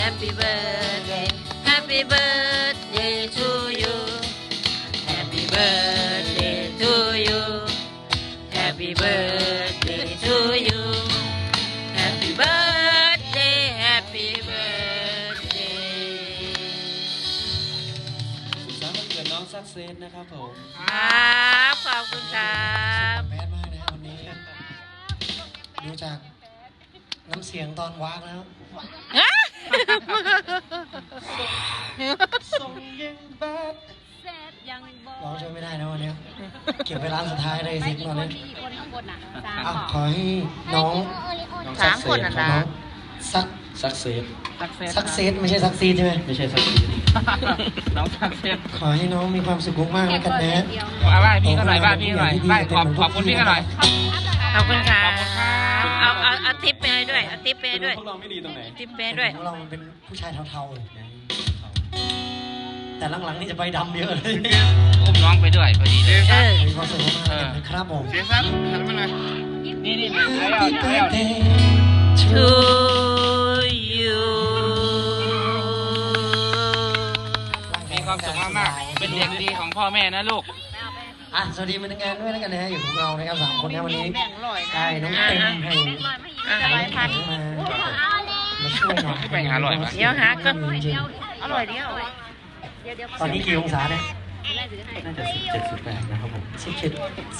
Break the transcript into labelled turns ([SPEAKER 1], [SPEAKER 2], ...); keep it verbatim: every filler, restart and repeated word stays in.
[SPEAKER 1] Happy birthday Happy birthday to you Happy birthday to you Happy birthday to you Happy birthday Happy birthday
[SPEAKER 2] สุขสันต์วันเกิดน้องซักเซนนะครับผม
[SPEAKER 1] ครับขอบคุณครับ
[SPEAKER 3] แมสมากนะวันนี้ดูจากน้ำเสียงตอนวากแล้ว
[SPEAKER 2] ส่งยังแบด
[SPEAKER 3] ร้องช่วยไม่ได้นะวันนี้เก็บไว้ร้านสุดท้ายเลยสิตอนนี้
[SPEAKER 4] คนข้างบนอ่ะสาม
[SPEAKER 3] อ่ะขอให้น้อง
[SPEAKER 1] สามคนอ่ะ
[SPEAKER 3] น้
[SPEAKER 1] นะ
[SPEAKER 3] องซัก
[SPEAKER 2] ซักเซน
[SPEAKER 3] ซักเซสไม่ใช่ซักซีดใช่ไหม
[SPEAKER 2] ไม่ใช่ซักเซน
[SPEAKER 5] น้องซักเซน
[SPEAKER 3] ขอให้น้องมีความสุขมากๆแล้วกันนะ
[SPEAKER 5] เอาไหว้พี่ก็หน่อยไหว้พี่หน่อยไหว้ขอบขอบคุณพี่ก็หน่อย
[SPEAKER 1] ขอบคุณครั
[SPEAKER 5] ขอบคุณครับ บ
[SPEAKER 1] เอาเอาเอาทิปไปให้ด้วยเอาทิปไปให้ด้วย
[SPEAKER 2] พวกเราไม่ดีตรงไหน
[SPEAKER 1] ทิปไปให้ด้วย
[SPEAKER 3] ของเรามันเป็นผู้ชายเทาๆแต่หลังๆนี่จะไปดำเยอะเลย
[SPEAKER 5] อุ้มน้องไปด้วยพอดีเลย
[SPEAKER 1] เออ
[SPEAKER 3] มีความสุขมากๆนะครับผม
[SPEAKER 5] เสียซับหันมาหน่อยนี่นี่นี่แล้ว
[SPEAKER 3] Happy
[SPEAKER 5] แล้ว
[SPEAKER 3] birthday
[SPEAKER 1] to
[SPEAKER 3] to
[SPEAKER 1] you
[SPEAKER 5] มีความสุขมากๆเป็นเด็กดีของพ่อแม่นะลูก
[SPEAKER 3] อ่ะสวัสดีมันงานด้วยแล้วกันนะฮะอยู่กับเรานะครับสามคนนะวันนี้ได้น้องเต็มให้
[SPEAKER 1] อ่ะร้อยพัน
[SPEAKER 3] มามาช่วยหน่อย
[SPEAKER 5] แบ่งหาอร่อยปะ
[SPEAKER 1] เดี๋ยวหาก็
[SPEAKER 3] จริง
[SPEAKER 1] อร่อยเดียว
[SPEAKER 3] ๆตอนนี้กี่องศาเนี่ย
[SPEAKER 2] น่าจะสิบเจ็ดสิบแปดนะครับผม
[SPEAKER 3] สิบเจ็ด